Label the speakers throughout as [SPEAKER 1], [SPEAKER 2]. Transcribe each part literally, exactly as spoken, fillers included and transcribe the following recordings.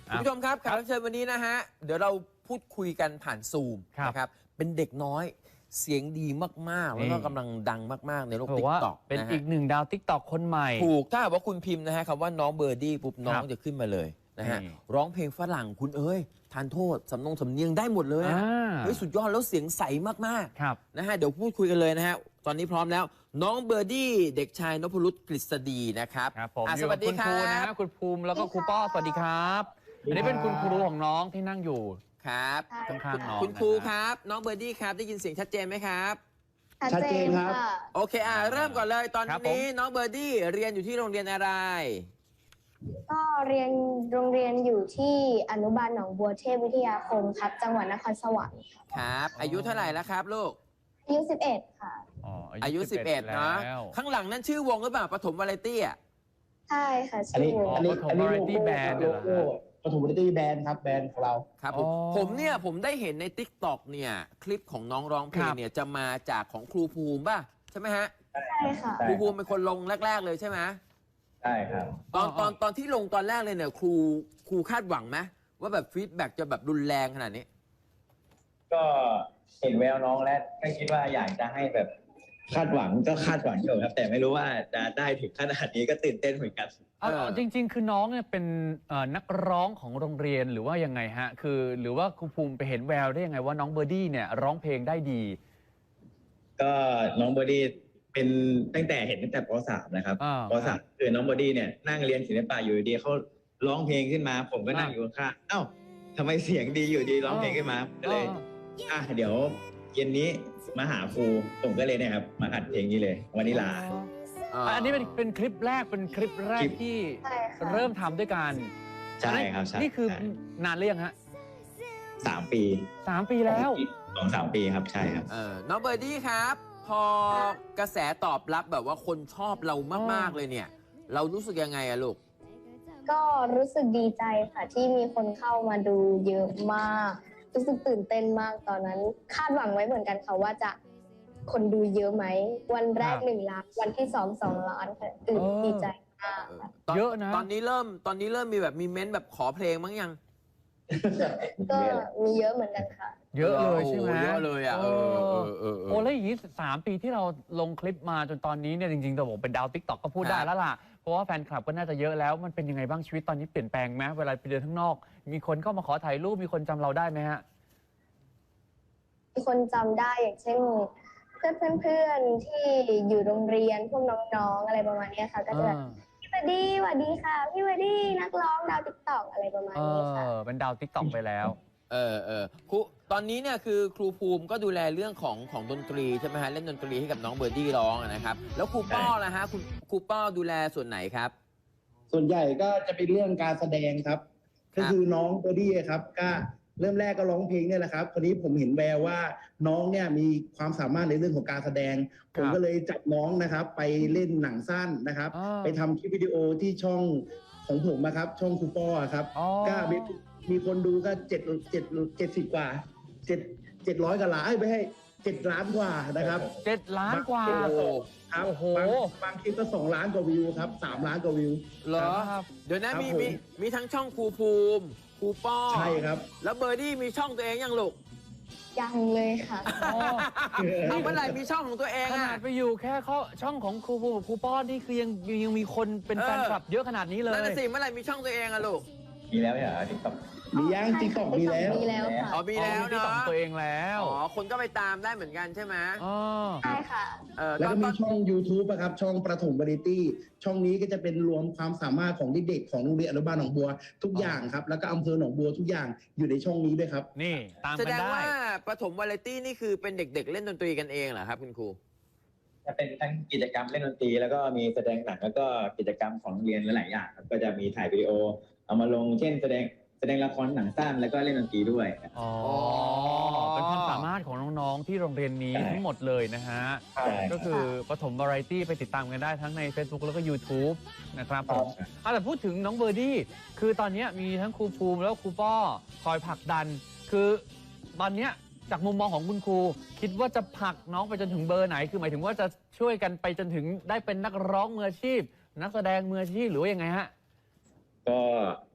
[SPEAKER 1] คุณผู้ชมครับแขกรับเชิญวันนี้นะฮะเดี๋ยวเราพูดคุยกันผ่านซูมนะครับเป็นเด็กน้อยเสียงดีมากๆแล้วก็กำลังดังมากๆในโลกติ๊กต็อก
[SPEAKER 2] เป็นอีกหนึ่งดาวติ๊กต็อกคนใหม่
[SPEAKER 1] ถูกถ้าว่าคุณพิมพ์นะฮะคำว่าน้องเบอร์ดี้ปุ๊บน้องจะขึ้นมาเลยนะฮะร้องเพลงฝรั่งคุณเอ้ยทานโทษสำนงสำเนียงได้หมดเลยเฮ้ยสุดยอดแล้วเสียงใสมากๆนะฮะเดี๋ยวพูดคุยกันเลยนะฮะตอนนี้พร้อมแล้วน้องเบอร์ดี้เด็กชายนพรุตกฤษฎีนะครับ
[SPEAKER 2] สวัสดีครับคุณครูนะฮะคุณภูมิแล้วก็ครูป้อสวัสดีครับอันนี้เป็นคุณครูของน้องที่นั่งอยู่
[SPEAKER 1] ครับ
[SPEAKER 2] ข้างๆน้อง
[SPEAKER 1] คุณครูครับน้องเบอร์ดี้ครับได้ยินเสียงชัดเจนไหมครับ
[SPEAKER 3] ชัดเจนครับ
[SPEAKER 1] โอเคอ่าเริ่มก่อนเลยตอนนี้น้องเบอร์ดี้เรียนอยู่ที่โรงเรียนอะไร
[SPEAKER 3] ก็เรียนโรงเรียนอยู่ที่อนุบาลหนองบัวเทพวิทยาคมครับจังหวัดนครสวรรค์
[SPEAKER 1] ครับอายุเท่าไหร่แล้วครับลูก
[SPEAKER 3] อายุสิบเอ็ดค่ะ
[SPEAKER 1] อายุสิบเอ็ดเนาะข้างหลังนั่นชื่อวงหรือเปล่าปฐมวาไรตี้อ่ะ
[SPEAKER 3] ใช่ค่ะชื่อวง
[SPEAKER 2] ปฐมวาไรตี้แบนด์เหรอ
[SPEAKER 4] ปฐมวาไรตี้แบนด์ครับแบรนด์ของเรา
[SPEAKER 1] ครับผมผมเนี่ยผมได้เห็นใน ติ๊กต็อก เนี่ยคลิปของน้องร้องเพลงเนี่ยจะมาจากของครูภูมิป่ะใช่ไหมฮะ
[SPEAKER 3] ใช่ค่ะ
[SPEAKER 1] ครูภูมิเป็นคนลงแรกๆเลยใช่ไหม
[SPEAKER 4] ใช่ครับ
[SPEAKER 1] ตอนตอนตอนที่ลงตอนแรกเลยเนี่ยครูครูคาดหวังไหมว่าแบบฟีดแบ็กจะแบบรุนแรงขนาดนี้
[SPEAKER 4] ก็เห็นแววน้องแล้วก็คิดว่าอยากจะให้แบบคาดหวังก็คาดหวังอยู่ครับแต่ไม่รู้ว่าจะได้ถึงขนาดนี้ก็ตื่นเต้นเหมือนกัน
[SPEAKER 2] เอาจริงๆคือน้องเนี่ยเป็นนักร้องของโรงเรียนหรือว่ายังไงฮะคือหรือว่าครูภูมิไปเห็นแววได้ยังไงว่าน้องเบอร์ดี้เนี่ยร้องเพลงได้ดี
[SPEAKER 4] ก็น้องเบอร์ดี้เป็นตั้งแต่เห็นตั้งแต่ป .สาม นะครับป .สาม คือน้องเบอร์ดี้เนี่ยนั่งเรียนศิลปะอยู่ดีเขาร้องเพลงขึ้นมาผมก็นั่งอยู่ข้างเอ้าทำไมเสียงดีอยู่ดีร้องเพลงขึ้นมาก็เลยอ่ะเดี๋ยวเย็นนี้มาหาครูผมก็เลยนะครับมาอัดเพลงนี้เลยวานิลา
[SPEAKER 2] อันนี้เป็นเป็นคลิปแรกเป็นคลิปแรกที่เริ่มทำด้วยกัน
[SPEAKER 4] ใช่ครับ
[SPEAKER 2] นี่คือนานหรือยังฮะ
[SPEAKER 4] สามปี
[SPEAKER 2] สามปีแล้ว
[SPEAKER 4] สองสามปีครับใช่ครับ
[SPEAKER 1] เออน้องเบอร์ดี้ครับพอกระแสตอบรับแบบว่าคนชอบเรามากๆเลยเนี่ยเรารู้สึกยังไงอะลูก
[SPEAKER 3] ก็รู้สึกดีใจค่ะที่มีคนเข้ามาดูเยอะมากรู้สึกตื่นเต้นมากตอนนั้นคาดหวังไว้เหมือนกันค่ะว่าจะคนดูเยอะไหมวันแรกหนึ่งล้านวันที่สองสองล้านค่ะตื่นดีใจมาก
[SPEAKER 2] เยอะนะ
[SPEAKER 1] ตอนนี้เริ่มตอนนี้เริ่มมีแบบมีเม้นแบบขอเพลงมั้งยัง
[SPEAKER 3] ก็มีเยอะเหมือนกันค่ะ
[SPEAKER 2] เยอะเลยใช่ไหม
[SPEAKER 1] เยอะเลยอ่ะเออเออ
[SPEAKER 2] โอ้แล้วอย่างนี้สามปีที่เราลงคลิปมาจนตอนนี้เนี่ยจริงๆตัวผมเป็นดาวติ๊กต็อกก็พูดได้แล้วล่ะเพราะว่าแฟนคลับก็น่าจะเยอะแล้วมันเป็นยังไงบ้างชีวิตตอนนี้เปลี่ยนแปลงไหมเวลาไปเดินข้างนอกมีคนเข้ามาขอถ่ายรูปมีคนจำเราได้ไหมฮะ
[SPEAKER 3] มีคนจำได้อย่างเช่นเพื่อนเพื่อนที่อยู่โรงเรียนพวกน้องๆอะไรประมาณนี้ค่ะก็จะพี่วดดี้สวัสดีค่ะพี่วดดี้นักร้องดาวติ๊กต็อกอะไรประมาณนี้ค่ะ
[SPEAKER 2] เออเป็นดาวติ๊กต็อกไปแล้ว
[SPEAKER 1] เออเออครูตอนนี้เนี่ยคือครูภูมิก็ดูแลเรื่องของของดนตรีใช่ไหมฮะเล่นดนตรีให้กับน้องเบอร์ดี้ร้องนะครับแล้วครูป้อล่ะฮะคุณครูป้อดูแลส่วนไหนครับ
[SPEAKER 4] ส่วนใหญ่ก็จะเป็นเรื่องการแสดงครับก็คือน้องเบอร์ดี้ครับก็เริ่มแรกก็ร้องเพลงเนี่ยแหละครับคราวนี้ผมเห็นแววว่าน้องเนี่ยมีความสามารถในเรื่องของการแสดงผมก็เลยจับน้องนะครับไปเล่นหนังสั้นนะครับไปทำคลิปวิดีโอที่ช่องของผมนะครับช่องครูป้อครับก็มีมีคนดูก็เจ็ดเจ็ดเจ็ดสิบกว่าเจ็ดเจ็ดร้อยกว่าล้านไม่ให้เจ็ดล้านกว่านะครับ
[SPEAKER 2] เจ็ดล้านกว่า
[SPEAKER 4] ครับบางบางคลิปก็สองล้านกว่าวิวครับสามล้านกว่าวิว
[SPEAKER 1] เหรอเดี๋ยวนะมีมีมีทั้งช่องครูภูมิครูป้อ
[SPEAKER 4] ใช่ครับ
[SPEAKER 1] แล้วเบอร์ดี้มีช่องตัวเองยังลูก
[SPEAKER 3] ยังเลยค่ะ
[SPEAKER 1] เอาเมื่อไหร่มีช่องของตัวเอง
[SPEAKER 2] ขนาดไปอยู่แค่เขาช่องของครูภูมิครูป้อนี่คือยังยังมีคนเป็นแฟนคลับเยอะขนาดนี้เลย
[SPEAKER 1] นั่นน่ะสิเมื่อไหร่มีช่องตัวเองอะลูก
[SPEAKER 4] มีแล้วเหรอติ๊กต็อกมียังติ๊กต็อกมีแล้ว
[SPEAKER 3] มีแล้วค่ะ
[SPEAKER 1] อ๋อมีแล้วเนาะ
[SPEAKER 2] ตัวเองแล้ว
[SPEAKER 1] อ๋อคนก็ไปตามได้เหมือนกันใช่ไหม
[SPEAKER 2] อ๋อ
[SPEAKER 3] ใช่ค่ะ
[SPEAKER 4] แล้วก็มีช่อง ยูทูบ นะครับช่องประถมวาไรตี้ช่องนี้ก็จะเป็นรวมความสามารถของเด็กๆของโรงเรียนอนุบาลหนองบัวทุกอย่างครับแล้วก็อำเภอหนองบัวทุกอย่างอยู่ในช่องนี้ด้วยครับ
[SPEAKER 2] นี่ตามกันได้
[SPEAKER 1] แสดงว่าประถมวาไรตี้นี่คือเป็นเด็กๆเล่นดนตรีกันเองเหรอครับคุณครู
[SPEAKER 4] จะเป็นทั้งกิจกรรมเล่นดนตรีแล้วก็มีแสดงหนังแล้วก็กิจกรรมของโรงเรียนหลายอย่างครับก็จะมีถ่ายวิดีโอเอามาลงเช่นแสดงแสดงละครหนังสั้นแล้วก็เล่นดนตรีด้วย
[SPEAKER 2] อ๋อเป็นความสามารถของน้องๆที่โรงเรียนนี้ทั้งหมดเลยนะฮะก็คือปฐมวาไรตี้ไปติดตามกันได้ทั้งใน Facebook แล้วก็ ยูทูบ นะครับผมแต่พูดถึงน้องเบอร์ดี้คือตอนนี้มีทั้งครูภูมิแล้วครูป้อคอยผลักดันคือตอนนี้จากมุมมองของคุณครูคิดว่าจะผลักน้องไปจนถึงเบอร์ไหนคือหมายถึงว่าจะช่วยกันไปจนถึงได้เป็นนักร้องมืออาชีพนักแสดงมืออาชีพหรือว่ายังไงฮะ
[SPEAKER 4] ก็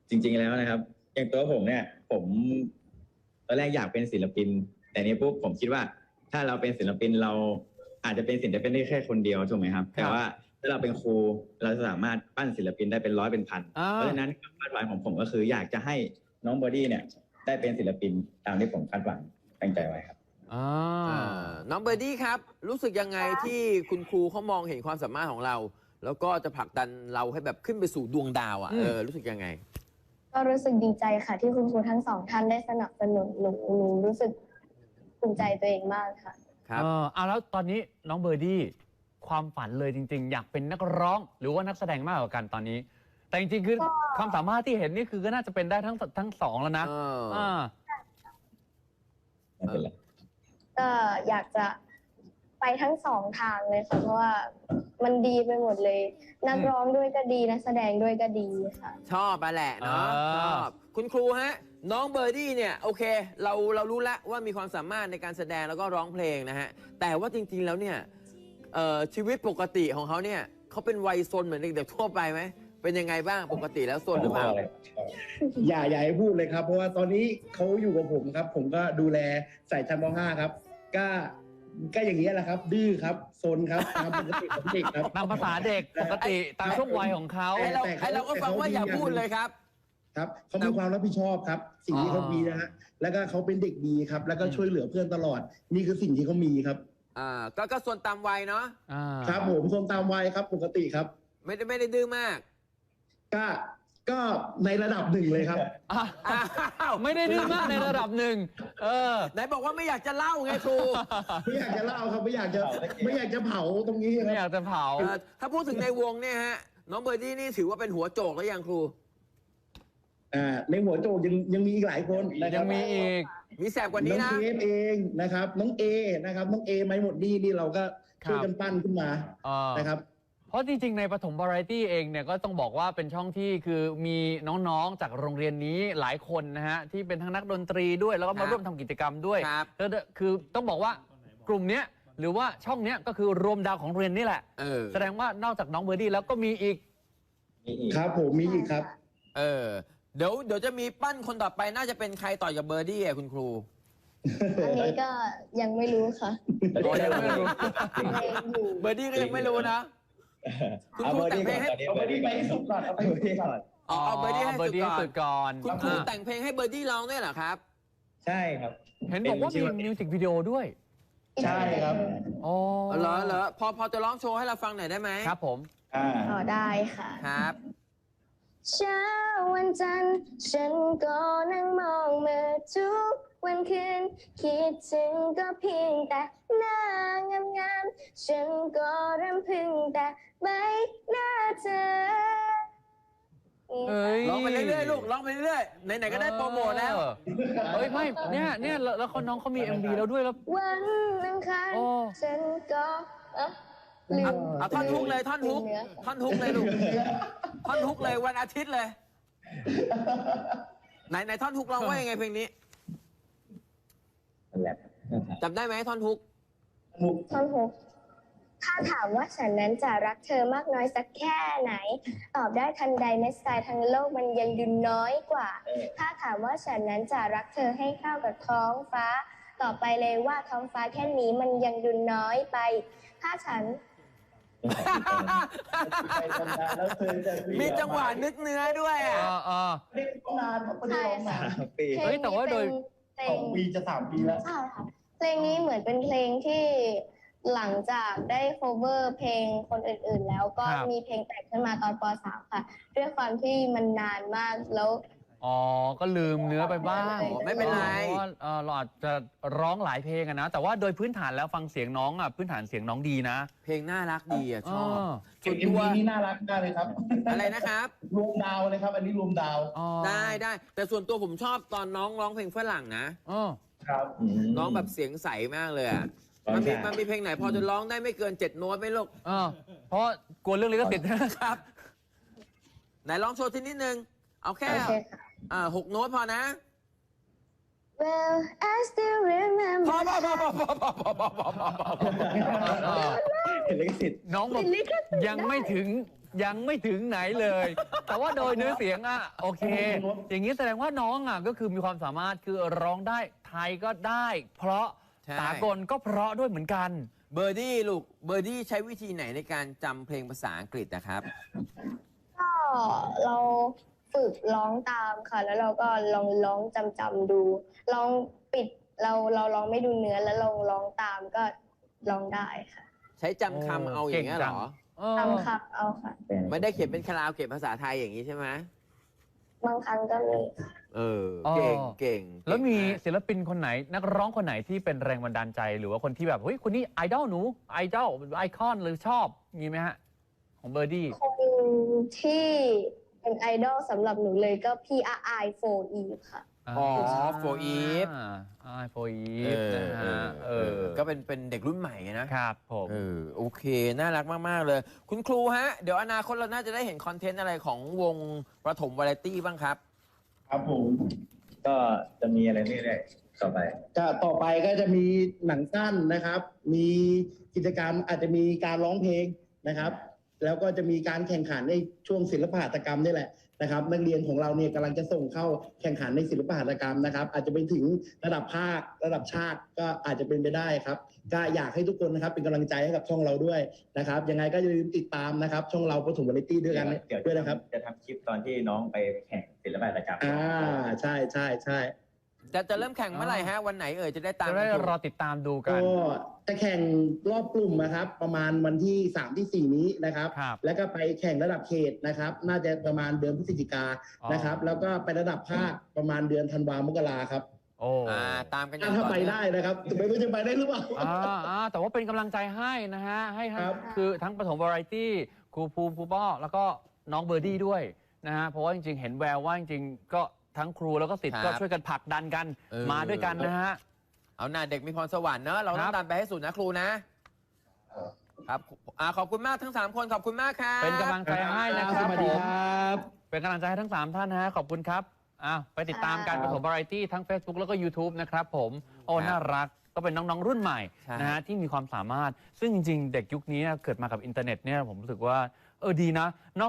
[SPEAKER 5] จริง ๆแล้วนะครับ อย่างตัวผมเนี่ย ผมตอนแรกอยากเป็นศิลปิน แต่นี้ปุ๊บผมคิดว่า ถ้าเราเป็นศิลปินเราอาจจะเป็นศิลปินได้แค่คนเดียวถูกไหมครับ แต่ว่าถ้าเราเป็นครูเราสามารถปั้นศิลปินได้เป็นร้อยเป็นพัน เพราะฉะนั้นความคาดหวังของผมก็คือ อยากจะให้น้องบอดี้เนี่ย ได้เป็นศิลปินตามที่ผมคาดหวังตั้งใจไว้ครับ
[SPEAKER 2] อ่า
[SPEAKER 1] อ่าน้องเบอร์ดี้ครับ รู้สึกยังไงที่คุณครูเขามองเห็นความสามารถของเรา แล้วก็จะผลักดันเราให้แบบขึ้นไปสู่ดวงดาวอ่ะ
[SPEAKER 2] อืม
[SPEAKER 1] เออรู้สึกยังไง
[SPEAKER 3] ก็รู้สึกดีใจค่ะ ที่คุณครูทั้งสองท่านได้สนับสนุนหนูหนูรู้สึกภูมิใจตัวเองมากค่ะ
[SPEAKER 1] ครับ
[SPEAKER 2] เออเอาแล้วตอนนี้น้องเบอร์ดี้ความฝันเลยจริง ๆ อยากเป็นนักร้องหรือว่านักแสดงมากกว่ากันตอนนี้ แต่จริงๆคือ
[SPEAKER 3] ก็
[SPEAKER 2] ความสามารถที่เห็นนี่คือก็น่าจะเป็นได้ทั้งทั้งสองแล้วนะ
[SPEAKER 1] เออ
[SPEAKER 2] อ่า
[SPEAKER 5] ไม่เป็นไร
[SPEAKER 3] ก็อยากจะไปทั้งสองทางเลยค่ะเพราะว่ามันดีไปหมดเลย นักร้องด้วยก็ดีนักแสดงด้วยก็ดีค่ะ
[SPEAKER 1] ชอบไปแหละเนาะ
[SPEAKER 2] อ่า
[SPEAKER 1] ชอบคุณครูฮะ น้องเบอร์ดี้เนี่ยโอเค เราเรารู้แล้วว่ามีความสามารถในการแสดงแล้วก็ร้องเพลงนะฮะ แต่ว่าจริง ๆ แล้วเนี่ยเอ่อชีวิตปกติของเขาเนี่ยเขาเป็นวัยซนเหมือนเด็กๆทั่วไปไหมเป็นยังไงบ้างปกติแล้วซนหรือเปล่า
[SPEAKER 4] อย่าอย่าให้พูดเลยครับ เพราะว่าตอนนี้เขาอยู่กับผมครับ ผมก็ดูแลใส่ชั้นม ห้าครับ ก็ก็อย่างนี้ยแหละครับ ดื้อครับซนครับตามปกติของเด็กครับ
[SPEAKER 2] ตามภาษาเด็กปกติตามช่วงวัยของเขา
[SPEAKER 1] ไอ้เรา
[SPEAKER 4] แต่เขา
[SPEAKER 1] ไอ้เราก็ฟังว่าอย่าพูดเลยครับ
[SPEAKER 4] ครับเขามีความรับผิดชอบครับ สิ่งที่เขามีนะฮะแล้วก็เขาเป็นเด็กดีครับ แล้วก็ช่วยเหลือเพื่อนตลอด นี่คือสิ่งที่เขามีครับ
[SPEAKER 1] อ่าก็ก็ส่วนตามวัยเนาะ
[SPEAKER 2] อ่า
[SPEAKER 4] ครับผมซนตามวัยครับปกติครับ
[SPEAKER 1] ไม่ได้ไม่ได้ดื้อมาก
[SPEAKER 4] ก็ก็ในระดับหนึ่งเลยครับ
[SPEAKER 2] อ่ะ
[SPEAKER 1] อ้าว
[SPEAKER 2] ไม่ได้ดื้อมากในระดับหนึ่งเออ
[SPEAKER 1] ไหนบอกว่าไม่อยากจะเล่าไงครู
[SPEAKER 4] ไม่อยากจะเล่าครับไม่อยากจะไม่อยากจะเผาตรงนี้ค
[SPEAKER 2] ไม่อ
[SPEAKER 4] รับ
[SPEAKER 2] ยากจะเผา
[SPEAKER 1] เอ่อถ้าพูดถึงในวงเนี่ยฮะ น้องเบอร์ดี้นี่ถือว่าเป็นหัวโจกแล้วยังครู
[SPEAKER 4] อ่าในหัวโจกยังยังมีอีกหลายคนนะค
[SPEAKER 2] ยั
[SPEAKER 4] รับ
[SPEAKER 2] งมีอีก
[SPEAKER 1] มีแสบกว่านี้
[SPEAKER 4] น้อง
[SPEAKER 1] นะ
[SPEAKER 4] เคฟเองนะครับ น้องเอนะครับ น้องเอไม่หมดนี่นี่เราก็ช่วยกันปั้นขึ้นมา
[SPEAKER 2] อ่าน
[SPEAKER 4] นะครับ
[SPEAKER 2] เพราะจริงๆ ในปฐมวาไรตี้เองเนี่ยก็ต้องบอกว่าเป็นช่องที่คือมีน้องๆ จากโรงเรียนนี้หลายคนนะฮะที่เป็นทั้งนักดนตรีด้วยแล้วก็มา
[SPEAKER 1] ครับ
[SPEAKER 2] ร่วมทำกิจกรรมด้วย
[SPEAKER 1] ครับ
[SPEAKER 2] แล้วคือต้องบอกว่ากลุ่มเนี้ยหรือว่าช่องเนี้ยก็คือรวมดาวของโรงเรียนนี่แหละ
[SPEAKER 1] เออ
[SPEAKER 2] แสดงว่านอกจากน้องเบอร์ดี้แล้วก็มีอีก
[SPEAKER 5] มีอีก
[SPEAKER 4] ครับผมมีอีกครับ
[SPEAKER 1] เออ เดี๋ยวเดี๋ยวจะมีปั้นคนต่อไปน่าจะเป็นใครต่อจากเบอร์ดี้อ่ะคุณครู
[SPEAKER 3] อันนี้ก็ยังไม่รู้ค่ะ
[SPEAKER 1] อ๋อยังไม่รู้
[SPEAKER 3] ยังอยู่
[SPEAKER 1] เบอร์ดี้ก็ยังไม่รู้นะ คุณครูแต่งเพลงให้
[SPEAKER 5] เอาเบอร์ดี้ก่อนตอนนี้เบอร์ดี้สุดก่อนเอาเบอร์ดี้ก่อน
[SPEAKER 1] อ๋อเอาเบอร์ดี้ให้
[SPEAKER 2] เบอร์ดี้ให้
[SPEAKER 1] สุ
[SPEAKER 2] สุ
[SPEAKER 1] ด
[SPEAKER 2] ด
[SPEAKER 1] ก่อน
[SPEAKER 2] ก่อน
[SPEAKER 1] คุณครู
[SPEAKER 2] อ่า
[SPEAKER 1] แต่งเพลงให้เบอร์ดี้ร้องด้วยเหรอครับ
[SPEAKER 5] ใช่ครับ
[SPEAKER 2] เห็นบอกว่ามีมิวสิกวิดีโอด้วย
[SPEAKER 4] ใช่ครับ
[SPEAKER 2] อ๋อ
[SPEAKER 1] เหรอเหรอพอพอจะร้องโชว์ให้เราฟังหน่อยได้ไหม
[SPEAKER 2] ครับผม
[SPEAKER 5] อ่า
[SPEAKER 3] อ๋อได้ค่ะ
[SPEAKER 1] ครับ
[SPEAKER 3] เช้าวันจันทร์ฉันก็นั่งมองมือทุกวันคืนคิดถึงก็เพียงแต่หน้างามๆฉันก็รำพึงแต่ใบหน้าเธอ
[SPEAKER 2] เอ้ย
[SPEAKER 1] ร้องไปเรื่อยๆลูกร้องไปเรื่อยๆไหนๆก็ได้โปรโมทแล้ว
[SPEAKER 2] เฮ้ยไม่เนี่ยเนี่ยแล้วแล้วคนน้องเขามี เอ็ม วี แล้วด้วยแล้ว
[SPEAKER 3] วันอังคาร
[SPEAKER 2] โอ้
[SPEAKER 3] ฉันก็เอ๊ะลื
[SPEAKER 1] เอา
[SPEAKER 3] ม
[SPEAKER 1] เอาท่อนฮุกเลยท่อนฮุก
[SPEAKER 3] ลืมเนื้อ
[SPEAKER 1] ท่อนฮุกเลยลูกท่อนฮุกเลยวันอาทิตย์เลย ไหนไหนท่อนฮุกร้องว่ายังไงเพลงนี้
[SPEAKER 5] นั่นแหละ
[SPEAKER 1] จำได้ไหมท่อนฮุก
[SPEAKER 3] ท่อนฮุกถ้าถามว่าฉันนั้นจะรักเธอมากน้อยสักแค่ไหน ตอบได้ทันใดเม็ดทรายทั้งโลกมันยังดูน้อยกว่า ถ้าถามว่าฉันนั้นจะรักเธอให้เข้ากับท้องฟ้า ตอบไปเลยว่าท้องฟ้าแค่นี้มันยังดูน้อยไป ถ้าฉัน
[SPEAKER 1] มีจังหวะนึกเนื้อด้วยอ่ะ
[SPEAKER 2] อ่าอ่า
[SPEAKER 4] เล่นนานครับไม่ได้ร้องนาน
[SPEAKER 5] ปี
[SPEAKER 3] เพลง
[SPEAKER 2] เฮ้ยแต่ว่าโดย
[SPEAKER 3] เพล
[SPEAKER 4] สอง งปีจะสามปีแล้ว
[SPEAKER 3] ใช่ค่ะเพลงนี้เหมือนเป็นเพลงที่หลังจากได้ cover เพลงคนอื่นๆ แล้วก็
[SPEAKER 2] ครับ
[SPEAKER 3] มีเพลงแต่งขึ้นมาตอนป .สาม ค่ะ ด้วยความที่มันนานมากแล้ว
[SPEAKER 2] อ๋อ ก็ลืมเนื้อไปบ้าง
[SPEAKER 1] อ๋อไม่เป็นไร
[SPEAKER 2] เพราะว่าเอ่อเราอาจจะร้องหลายเพลงอะนะ แต่ว่าโดยพื้นฐานแล้วฟังเสียงน้องอะพื้นฐานเสียงน้องดีนะ
[SPEAKER 1] เพลงน่ารักดีอ่ะชอบ
[SPEAKER 2] อ๋อ
[SPEAKER 1] ส่วน
[SPEAKER 4] เอ็ม
[SPEAKER 1] ตัว
[SPEAKER 4] วีนี่น่ารักมากเลยครับ
[SPEAKER 1] อะไรนะครับ
[SPEAKER 4] รวมดาวเลยครับ อันนี้รวมดาว
[SPEAKER 2] อ๋อ
[SPEAKER 1] ได้ได้แต่ส่วนตัวผมชอบตอนน้องร้องเพลงฝรั่งนะ
[SPEAKER 2] อ๋อ
[SPEAKER 4] ครับ
[SPEAKER 1] น้องแบบเสียงใสมากเลยอ่ะ มันมีมันมีเพลงไหนพอจะร้องได้ไม่เกินเจ็ดโน้ตไหมลูก
[SPEAKER 2] อ๋อเพราะกลัวเรื่องลิขสิทธิ์นะครับ
[SPEAKER 1] ไหนร้องโชว์ทีนิดนึง เอาแค่
[SPEAKER 3] โอเคค่ะ
[SPEAKER 1] อ่าหกโน้ตพอนะ
[SPEAKER 3] Well I still remember
[SPEAKER 1] พอพอพอพอพอพอพอพอพอพอ
[SPEAKER 2] อ๋อ
[SPEAKER 5] เห็นลิขสิทธิ์
[SPEAKER 2] น้องบอก
[SPEAKER 3] ลิขสิทธิ์
[SPEAKER 2] ยังไม่ถึงยังไม่ถึงไหนเลย แต่ว่าโดยเนื้อเสียงอ่ะโอเค อย่างนี้แสดงว่าน้องอ่ะก็คือมีความสามารถคือร้องได้ไทยก็ได้ เพราะ
[SPEAKER 1] ใช่
[SPEAKER 2] สากลก็เพราะด้วยเหมือนกัน
[SPEAKER 1] เบอร์ดี้ลูกเบอร์ดี้ใช้วิธีไหนในการจำเพลงภาษาอังกฤษนะครับ
[SPEAKER 3] ก็เราฝึกร้องตามค่ะ แล้วเราก็ลองร้องจำจำๆดูลองปิดเราเราร้องไม่ดูเนื้อแล้วลองร้องตามก็ร้องได้ค่ะ
[SPEAKER 1] ใช้จำคำเอาอย่างเงี้ยเหรอ
[SPEAKER 2] เออ
[SPEAKER 3] ตามคำเอาค่ะ
[SPEAKER 1] ไม่ได้เขียนเป็นคาราโอเกะภาษาไทยอย่างนี้ใช่ไหม
[SPEAKER 3] บางครั้งก็มี
[SPEAKER 1] เออ เก่งเก่ง
[SPEAKER 2] แล้วมี
[SPEAKER 1] เก่งาก
[SPEAKER 2] ศิลปินคนไหน นักร้องคนไหนที่เป็นแรงบันดาลใจ หรือว่าคนที่แบบเฮ้ยคนนี้ไอดอลหนูไอดอลไอคอนหรือชอบมีไหมฮะ ของเบอร์ดี้
[SPEAKER 3] คนที่เป็นไอดอลสำหรับหนูเลยก็พี่อาไอโฟอีค่ะ
[SPEAKER 1] อ๋อโฟอีฟ
[SPEAKER 2] อ่าโฟอี
[SPEAKER 1] เอ
[SPEAKER 2] ฟ
[SPEAKER 1] อ
[SPEAKER 2] นะ
[SPEAKER 1] เอ
[SPEAKER 2] ฮะ
[SPEAKER 1] อ
[SPEAKER 2] เอ
[SPEAKER 1] เอ
[SPEAKER 2] อ
[SPEAKER 1] อ ก็เป็นเป็นเด็กรุ่นใหม่นะ
[SPEAKER 2] ครับผม
[SPEAKER 1] เออ โอเค น่ารักมาก ๆ เลย คุณครูฮะ เดี๋ยวอนาคตเราน่าจะได้เห็นคอนเทนต์อะไรของวงประถมวาไรตี้บ้างครับ
[SPEAKER 4] ครับผม
[SPEAKER 5] ก็จะมีอะไรเรื่อยๆต่อไป
[SPEAKER 4] จะต่อไปก็จะมีหนังสั้นนะครับ มีกิจกรรมอาจจะมีการร้องเพลงนะครับ แล้วก็จะมีการแข่งขันในช่วงศิลปหัตถกรรมนี่แหละนะครับ นักเรียนของเราเนี่ยกำลังจะส่งเข้าแข่งขันในศิลปหัตถกรรมนะครับ อาจจะไปถึงระดับภาคระดับชาติก็อาจจะเป็นไปได้ครับก็อยากให้ทุกคนนะครับเป็นกำลังใจให้กับช่องเราด้วยนะครับยังไงก็อย่าลืมติดตามนะครับ ช่องเราปฐมวาไรตี้ด้วยกัน
[SPEAKER 5] เดี๋ยว
[SPEAKER 4] ด้วยนะครับ
[SPEAKER 5] จะทำคลิปตอนที่น้องไปแข่งศิลปะหัตถกรรม
[SPEAKER 4] อ่าใช่ใช่ใช่
[SPEAKER 1] จะจะเริ่มแข่งเมื่อไหร่ฮะ วันไหนเอ่ยจะได้ตาม
[SPEAKER 2] จะได้
[SPEAKER 1] กันดู
[SPEAKER 2] รอติดตามดูกัน
[SPEAKER 4] ก็จะแข่งรอบกลุ่มนะครับ ประมาณวันที่สามที่สี่นี้นะครับ
[SPEAKER 2] ครับ
[SPEAKER 4] แล้วก็ไปแข่งระดับเขตนะครับ น่าจะประมาณเดือนพฤศจิกา
[SPEAKER 2] อ๋อ
[SPEAKER 4] นะครับ แล้วก็ไประดับภาคประมาณเดือนธันวามกราครับ
[SPEAKER 2] โอ้
[SPEAKER 1] อ่า ตามกันอย่า
[SPEAKER 4] ถ้าง ถ้า
[SPEAKER 1] ต่อ
[SPEAKER 4] ไป
[SPEAKER 1] เนื่อง
[SPEAKER 4] ได้นะครับแต่ไม่รู้จะไปได้หรือเปล่า
[SPEAKER 2] อ่าอ่าแต่ว่าเป็นกำลังใจให้นะฮะ ให้ทั้ง
[SPEAKER 4] ครับ
[SPEAKER 2] คือทั้งปฐมวาไรตี้ครูภูมิครูป้อแล้วก็น้องเบอร์ดี้ด้วยนะฮะ เพราะว่าจริงๆ เห็นแววว่าจริงๆ ก็ทั้งครูแล้วก็ศิษย์
[SPEAKER 1] ครับ
[SPEAKER 2] ก็ช่วยกันผลักดันกัน
[SPEAKER 1] เออ
[SPEAKER 2] มาด้วยกันนะฮะ
[SPEAKER 1] เอาหน้าเด็กมีพรสวรรค์เนอะเราต้อ
[SPEAKER 2] ครั
[SPEAKER 1] ง
[SPEAKER 2] บ
[SPEAKER 1] ตามไปให้สุดนะครูนะ ครับอ่าขอบคุณมากทั้งสามคนขอบคุณมากครับ
[SPEAKER 2] เป็นกำลังใจให้นะครับ
[SPEAKER 4] สวัส
[SPEAKER 2] ผ
[SPEAKER 4] ดี
[SPEAKER 2] ม
[SPEAKER 4] ครับ
[SPEAKER 2] เป็นกำลังใจให้ทั้ง 3 ท่านนะฮะ ขอบคุณครับอ้าวไปติดตามการ
[SPEAKER 3] ค
[SPEAKER 2] ป
[SPEAKER 3] รับ
[SPEAKER 2] ฐมวาไรตี้ทั้ง Facebook แล้วก็ YouTube นะครับผม โอ้
[SPEAKER 1] ครับ
[SPEAKER 2] น่ารัก ก็เป็นน้อง ๆ รุ่นใหม่
[SPEAKER 1] ใช่
[SPEAKER 2] นะฮะที่มีความสามารถ ซึ่งจริง ๆ เด็กยุคนี้เกิดมากับอินเทอร์เน็ตเนี่ยผมรู้สึกว่า เออดีนะ